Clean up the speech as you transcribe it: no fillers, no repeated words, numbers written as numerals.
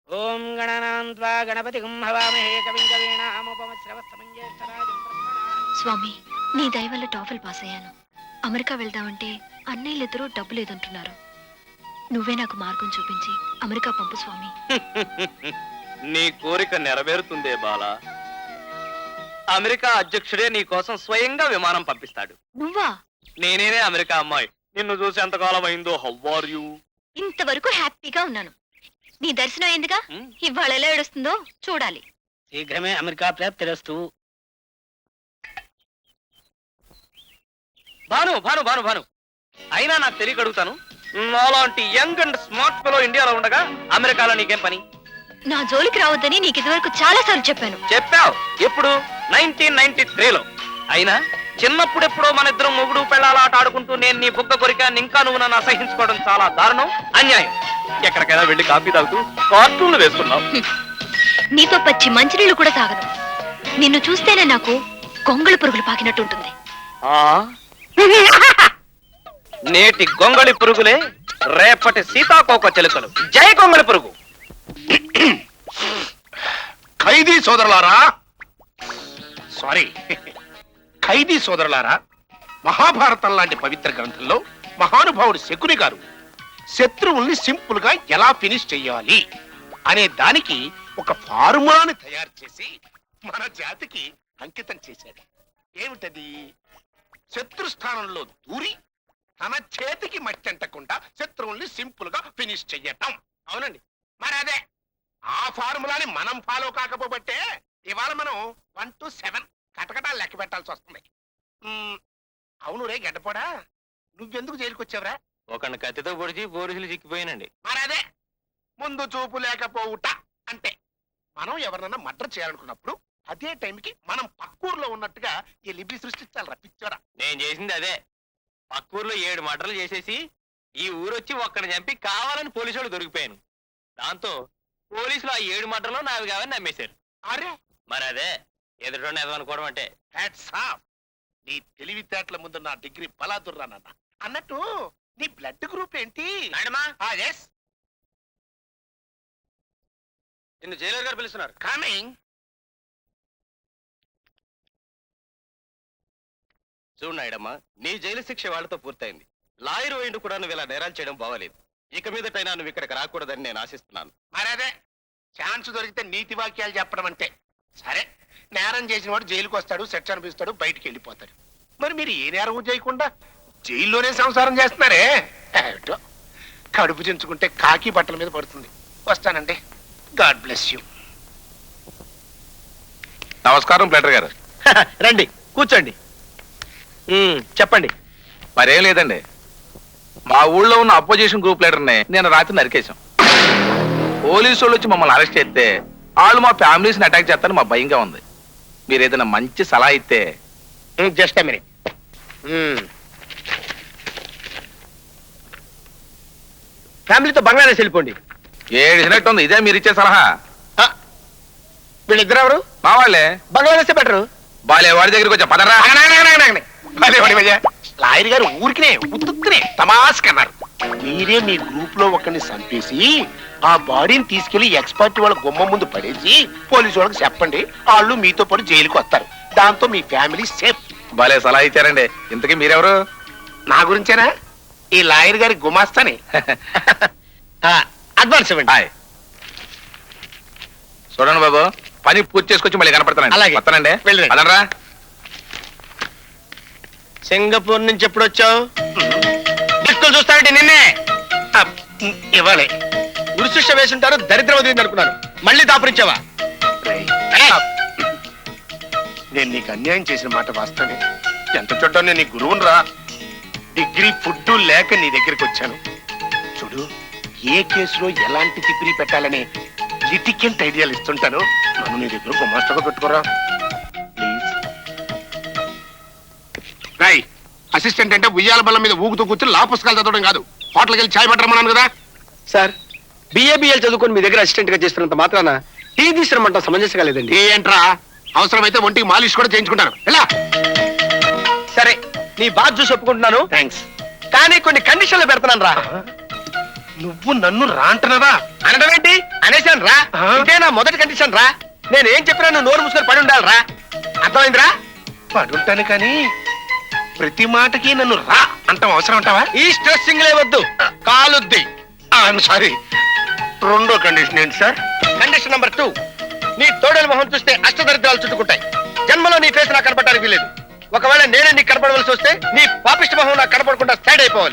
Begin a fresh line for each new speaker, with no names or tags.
ఓం గణనాన్వా గణపతిగం హవామహే కవిం కవీనాముపమశ్రవస్తమం జ్యేష్ఠరాజం బ్రహ్మణాం.
స్వామి, నీ దయ వల్ల టాఫెల్ పాస్ అయ్యాను. అమెరికా వెళ్దామంటే అన్నయ్యలిద్దరూ డబ్బు లేదంటున్నారు. నువ్వే నాకు మార్గం చూపించి అమెరికా పంపు స్వామి.
నీ కోరిక నెరవేరుతుందే బాలా. అమెరికా అధ్యక్షుడే నీ కోసం స్వయంగా విమానం పంపిస్తాడు.
నువ్వా?
నేనేనే అమెరికా అమ్మాయి. నిన్ను చూసి ఎంతకాలం అయిందో. How are you?
ఇంతవరకు హ్యాపీగా ఉన్నాను. నీ దర్శనం అయిందిగా, ఇవాళ ఎలా ఏడుస్తుందో చూడాలి.
శీఘ్రమే అమెరికా ప్రాప్తిరస్తు.
భాను భాను భాను భాను అయినా నాకు తెలియక అడుగుతాను, నాలాంటి యంగ్ అండ్ స్మార్ట్ ఫెలో ఇండియాలో ఉండగా అమెరికాలో నీకేం పని?
నా జోలికి రావద్దని నీకు ఇదివరకు చాలా సార్లు చెప్పాను.
చెప్పావు. ఎప్పుడు? 1993లో. అయినా చిన్నప్పుడెప్పుడో మన ఇద్దరం మొగుడు పెళ్ళాల ఆట ఆడుకుంటూ నేను నీ బుగ్గ కొరికాను, ఇంకా నువ్వు నన్ను అసహించుకోవడం చాలా దారుణం, అన్యాయం. ఎక్కడికైనా వెళ్ళి కాఫీ తాగుతూ కార్టూన్లు వేసుకున్నావు.
నీతో పచ్చి మంచినీళ్ళు కూడా తాగను. నిన్ను చూస్తేనే నాకు కొంగళ పురుగులు పాకినట్టుంటుంది.
నేటి గొంగళి పురుగులే రేపటి సీతాకోక చిలుకలు. జై గొంగళి పురుగు.
ఖైదీ సోదరులారా, సారీ, ఖైదీ సోదరులారా, మహాభారతం లాంటి పవిత్ర గ్రంథంలో మహానుభావుడు శకుని గారు శత్రువుల్ని సింపుల్ గా ఎలా ఫినిష్ చెయ్యాలి అనే దానికి ఒక ఫార్ములాని తయారు చేసి మన జాతికి అంకితం చేశాడు. ఏమిటది? శత్రు స్థానంలో దూరి తన చేతికి మట్టంటకుండా శత్రువుల్ని సింపుల్ గా ఫినిష్ చెయ్యటం. అవునండి, మరి అదే ఆ ఫార్ములాని మనం ఫాలో కాకపోబట్టే ఇవాళ మనం 1 to 7 కటకటాలు లెక్క పెట్టాల్సి వస్తుంది. అవును రే గడ్డపోడా, నువ్వెందుకు జైలుకి వచ్చావురా?
ఒకరిని కత్తితో పొడిచి పోలీసులు చిక్కిపోయానండి.
మరి అదే ముందు చూపు లేకపోవుట అంటే. మనం ఎవరినన్నా మర్డర్ చేయాలనుకున్నప్పుడు అదే టైంకి మనం పక్కూరులో ఉన్నట్టుగా ఈ లిపి సృష్టించాలి రప్పించారా.
నేను చేసింది అదే. పక్కూరులో 7 మర్డర్లు చేసేసి ఈ ఊరొచ్చి ఒక్కడిని చంపి కావాలని పోలీసు వాళ్ళు దొరికిపోయాను. దాంతో పోలీసులు ఆ 7 మర్డర్లు నావి కావని నమ్మేశారు.
అరే
మరి అదే ఎదుటోని ఎదవనుకోవడం అంటే.
Hats off. నీ తెలివితేటల ముందు నా డిగ్రీ బలాదుర్రానన్న. అన్నట్టు నీ బ్లడ్ గ్రూప్ ఏంటి? ఎస్,
నిన్ను జైలర్ గారు పిలుస్తున్నారు.
కమింగ్.
చూడు నాయుడమ్మా, నీ జైలు శిక్ష వాళ్ళతో పూర్తయింది. లాయర్ వైండు కూడా నువ్వు ఇలా నేరాలు చేయడం బాగలేదు. ఇక మీదటైనా నువ్వు ఇక్కడికి రాకూడదని నేను ఆశిస్తున్నాను.
మరి అదే ఛాన్స్ దొరికితే నీతి వాక్యాలు చెప్పడం అంటే. సరే, నేరం చేసిన వాడు జైలుకి వస్తాడు, శిక్ష అనిపిస్తాడు, బయటికి వెళ్ళిపోతాడు. మరి మీరు ఏ నేరం చేయకుండా జైల్లోనే సంసారం చేస్తున్నారే. ఏమిటో, కడుపు చించుకుంటే కాకి బట్టల మీద పడుతుంది. వస్తానండి. God bless you.
నమస్కారం ప్లేటర్ గారు.
రండి కూర్చోండి. చెప్పండి.
మరేం లేదండి, మా ఊళ్ళో ఉన్న అపోజిషన్ గ్రూప్ లీడర్ని నేను రాత్రి నరికేశాం. పోలీసు వాళ్ళు వచ్చి మమ్మల్ని అరెస్ట్ చేస్తే వాళ్ళు మా ఫ్యామిలీస్ని అటాక్ చేస్తారని మా భయంగా ఉంది. మీరు ఏదైనా మంచి సలహా ఇస్తే.
Just minute.
ఫ్యామిలీతో బంగ్లాదేశ్ వెళ్ళిపోండి.
ఏడిసినట్టు ఉంది. ఇదే మీరు ఇచ్చే సలహా?
వీళ్ళిద్దరు ఎవరు?
మా వాళ్ళే.
బంగ్లాదేశ్ బెటరు.
బాలే వాడి దగ్గరికి వచ్చా పదరా.
లాయర్ గారు ఊరికినే ఉత్తునే తమాస్కన్నారు. మీరే మీ గ్రూప్ లో ఒకరిని చంపేసి ఆ బాడీని తీసుకెళ్లి ఎక్స్పర్ట్ వాళ్ళ గుమ్మ ముందు పడేసి పోలీసు వాళ్ళకి చెప్పండి, వాళ్ళు మీతో పాటు జైలుకి వస్తారు. దాంతో మీ ఫ్యామిలీ సేఫ్.
బాలే సలహా ఇచ్చారండి. ఇంతకీ మీరెవరు?
నా గురించేనా? ఈ లాయర్ గారి గుమాస్తాని. అడ్వాన్స్ ఇవ్వండి.
హాయ్. చూడండి బాబు, పని పూర్తి చేసుకొచ్చి మళ్ళీ కనపడతానండి.
అలాగే.
వస్తానండి.
వెళ్ళండి.
అదనరా.
సింగపూర్ నుంచి ఎప్పుడు వచ్చావు? దిక్కులు చూస్తానండి. నిన్నే
ఇవ్వాలి.
ఉరిశిక్ష వేసుంటారు, దరిద్రం వదిలింది అనుకున్నాను. మళ్ళీ దాపురించావా?
నేను నీకు అన్యాయం చేసిన మాట వాస్తవమే. ఎంత చూడ్డా నేను నీ గురువును రా. డిగ్రీ ఫుడ్ లేక నీ దగ్గరికి వచ్చాను. చూడు, ఏ కేసులో ఎలాంటి తిప్పిరి పెట్టాలని లిటికెంట్ ఐడియాలు ఇస్తుంటాను. నన్ను నీ దగ్గర గుమాస్తగా పెట్టుకోరా ప్లీజ్. రాయ్, అసిస్టెంట్ అంటే ఉయ్యాల బల్ల మీద ఊగుతూ కూర్చొని లా పుస్తకాలు చదవడం కాదు, హోటల్కి వెళ్ళి ఛాయ్ పట్టరమన్నాను కదా.
సార్, బిఏబిఎల్ చదువుకొని మీ దగ్గర అసిస్టెంట్ గా చేస్తున్నంత మాత్రాన టీ తీసుకురమంటాం సమంజసం కాలేదండి.
ఏంట్రా, అవసరమైతే ఒంటికి మాలిష్ కూడా చేయించుకుంటాను. ఎలా?
సరే, నీ బాధ చూసి ఒప్పుకుంటున్నాను,
థ్యాంక్స్.
కానీ కొన్ని కండిషన్లు పెడతాను రా.
నువ్వు నన్ను రాంటనరా?
అనడం ఏంటి? అనేశాను రా. ఇదే నా మొదటి కండిషన్ రా. నేను ఏం చెప్పినా నువ్వు నోరు మూసుకొని పడి ఉండాలి రా. అర్థమైందిరా?
పడుంటాను కానీ ప్రతి మాటకి నన్ను రా అంటాం అవసరం అంటావా?
ఈ స్ట్రెస్సింగ్లే వద్దు, కాలుద్ది.
సారీ, రెండో కండిషన్ ఏంటి సార్?
కండిషన్ నెంబర్ 2, నీ తోడేలు మొహం చూస్తే అష్టదరిద్రాలు చుట్టుకుంటాయి. జన్మలో నీ ఫేస్ నాకు కనపడడానికి వీలేదు. ఒకవేళ నేనే నీకు కనపడవలసి వస్తే నీ పాపిష్టి మొహం నాకు కనపడకుండా సైడ్ అయిపోవాలి.